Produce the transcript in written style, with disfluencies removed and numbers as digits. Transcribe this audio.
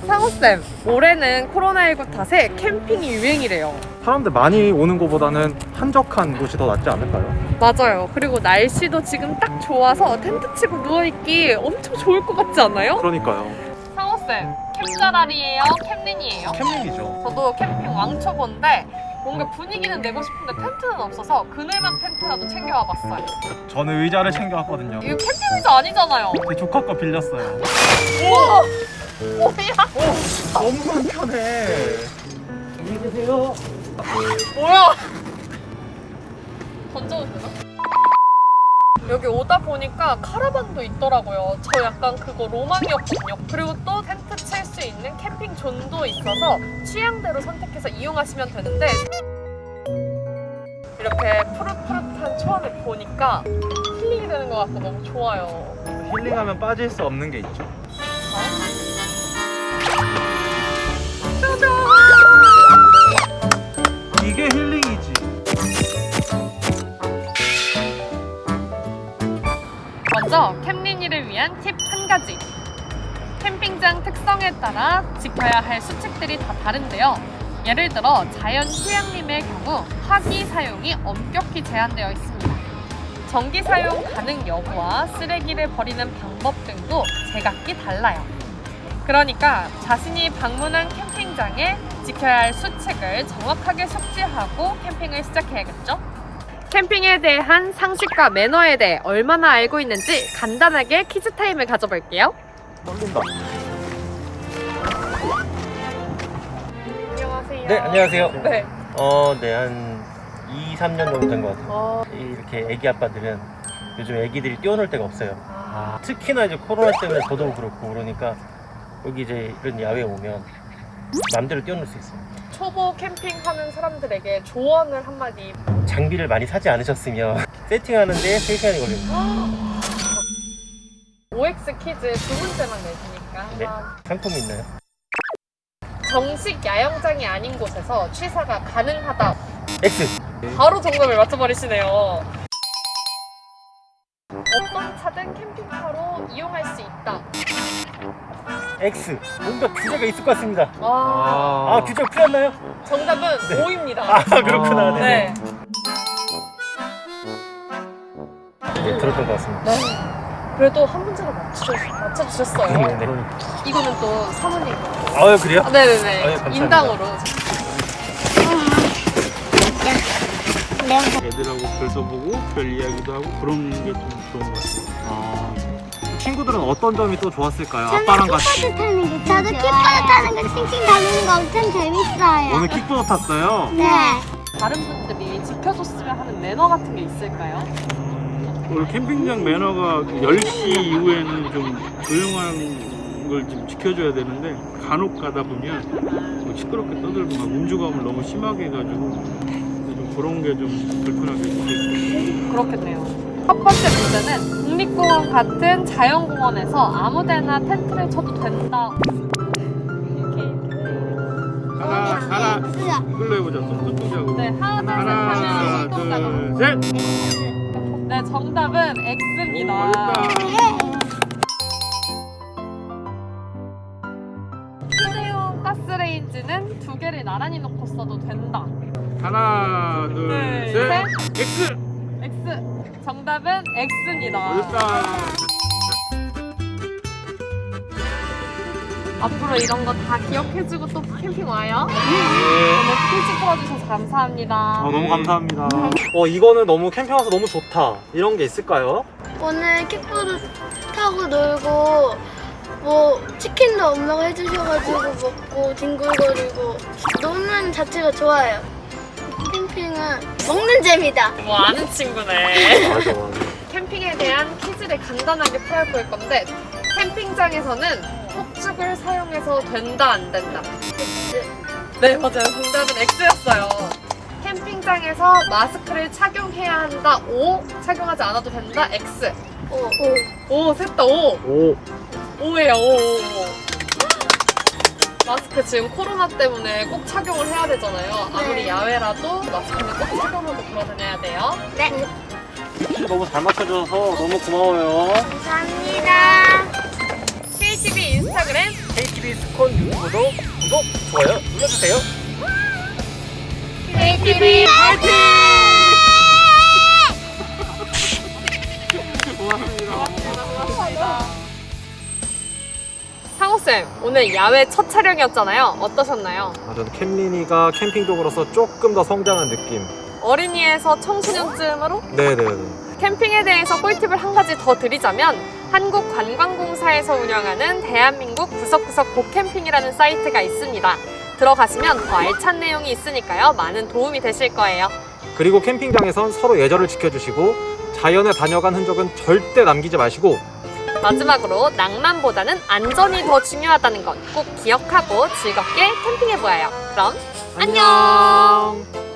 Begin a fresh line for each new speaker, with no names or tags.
상호쌤, 올해는 코로나19 탓에 캠핑이 유행이래요.
사람들 많이 오는 곳보다는 한적한 곳이 더 낫지 않을까요?
맞아요. 그리고 날씨도 지금 딱 좋아서 텐트 치고 누워있기 엄청 좋을 것 같지 않아요?
그러니까요.
상호쌤, 캠자랄이에요? 캠린이에요?
캠핑이죠.
저도 캠핑 왕초보인데 뭔가 분위기는 내고 싶은데 텐트는 없어서 그늘막 텐트라도 챙겨와 봤어요.
저는 의자를 챙겨왔거든요.
이거 캠핑 의자 아니잖아요.
제 조카 거 빌렸어요.
우와! 뭐야?
너무 불편해. 안녕히 계세요.
뭐야? 던져도 되나? 여기 오다 보니까 카라반도 있더라고요. 저 약간 그거 로망이었거든요. 그리고 또 텐트 칠 수 있는 캠핑 존도 있어서 취향대로 선택해서 이용하시면 되는데 이렇게 푸릇푸릇한 초원을 보니까 힐링이 되는 것 같고 너무 좋아요.
힐링하면 빠질 수 없는 게 있죠. 이게 힐링이지.
먼저 캠린이를 위한 팁 한 가지. 캠핑장 특성에 따라 지켜야 할 수칙들이 다 다른데요. 예를 들어 자연 휴양림의 경우 화기 사용이 엄격히 제한되어 있습니다. 전기 사용 가능 여부와 쓰레기를 버리는 방법 등도 제각기 달라요. 그러니까 자신이 방문한 캠핑장에 지켜야 할 수칙을 정확하게 숙지하고 캠핑을 시작해야겠죠? 캠핑에 대한 상식과 매너에 대해 얼마나 알고 있는지 간단하게 퀴즈 타임을 가져볼게요.
떨린다.
안녕하세요.
네, 안녕하세요.
네.
네, 한 2, 3년 정도 된 것 같아요. 이렇게 애기 아빠들은 요즘 애기들이 뛰어놀 데가 없어요. 특히나 이제 코로나 때문에 더더욱 그렇고 그러니까 여기 이제 이런 야외에 오면 마음대로 뛰어놀 수 있어요.
초보 캠핑하는 사람들에게 조언을 한마디.
장비를 많이 사지 않으셨으면 세팅하는데 3시간이 걸립니다.
OX 퀴즈 두 문제만 내주니까
네.
한번.
상품이 있나요?
정식 야영장이 아닌 곳에서 취사가 가능하다.
X!
바로 정답을 맞춰버리시네요. 어떤 차든 캠핑카로 이용할 수 있다.
X! 뭔가 규제가 있을 것 같습니다.
와.
규제가 풀렸나요?
정답은
네.
O입니다.
그렇구나.
네.
네, 들었던 것 같습니다.
네. 그래도 한 문제를 맞춰주셨어요.
네네.
이거는 또 사모님.
그래요?
네네네.
감사합니다.
인당으로.
애들하고 별도 보고 별 이야기도 하고 그런 게 좀 좋은 것 같아요.
친구들은 어떤 점이 또 좋았을까요? 아빠랑 같이.
킥보드 타는 게 저도 킥보드 타는 거 칭칭 달리는 거 엄청 재밌어요.
오늘 킥보드 탔어요?
네.
다른 분들이 지켜줬으면 하는 매너 같은 게 있을까요?
오늘 캠핑장 매너가 10시 이후에는 좀 조용한 걸 좀 지켜줘야 되는데 간혹 가다 보면 뭐 시끄럽게 떠들고 막 음주감을 너무 심하게 해가지고 좀 그런 게 좀 불편하게 느껴져요.
그렇겠네요. 첫 번째 문제는 국립공원 같은 자연공원에서 아무데나 텐트를 쳐도 된다.
하나 이걸로 해보자. 손동작으로.
네, 하나,
하나,
둘, 셋 하면
둘,
손동작으로.
셋.
네, 정답은 X입니다. 휴대용 가스레인지는 두 개를 나란히 놓고 써도 된다.
하나, 둘,
둘,
셋. X.
X. 정답은 X입니다.
어렵다.
앞으로 이런 거 다 기억해주고 또 캠핑 와요. 오늘 퀴즈 풀어주셔서 감사합니다.
너무 감사합니다. 이거는 너무 캠핑 와서 너무 좋다. 이런 게 있을까요?
오늘 킥보드 타고 놀고 뭐 치킨도 엄마가 해주셔가지고 먹고 뒹굴거리고 노는 자체가 좋아요. 캠핑은 먹는 재미다.
뭐 아는 친구네.
맞아.
캠핑에 대한 퀴즈를 간단하게 풀어볼 건데 캠핑장에서는 폭죽을 사용해서 된다 안 된다? 네 맞아요. 정답은 X였어요. 캠핑장에서 마스크를 착용해야 한다. O. 착용하지 않아도 된다. X. O. 셋 다 O.
오.
O예요. O. 마스크 지금 코로나 때문에 꼭 착용을 해야 되잖아요. 아무리 야외라도 마스크는 꼭 착용하고 돌아다녀야 돼요.
네.
너무 잘 맞춰줘서 너무 고마워요.
감사합니다.
KTV 인스타그램
KTV 스콘 구독, 좋아요 눌러주세요.
TV 파이팅!
상호쌤, 오늘 야외 첫 촬영이었잖아요. 어떠셨나요?
저는 캠린이가 캠핑족으로서 조금 더 성장한 느낌.
어린이에서 청소년쯤으로
네네네.
캠핑에 대해서 꿀팁을 한 가지 더 드리자면 한국관광공사에서 운영하는 대한민국 구석구석 보캠핑이라는 사이트가 있습니다. 들어가시면 더 알찬 내용이 있으니까요. 많은 도움이 되실 거예요.
그리고 캠핑장에선 서로 예절을 지켜주시고 자연에 다녀간 흔적은 절대 남기지 마시고
마지막으로 낭만보다는 안전이 더 중요하다는 것 꼭 기억하고 즐겁게 캠핑해보아요. 그럼 안녕!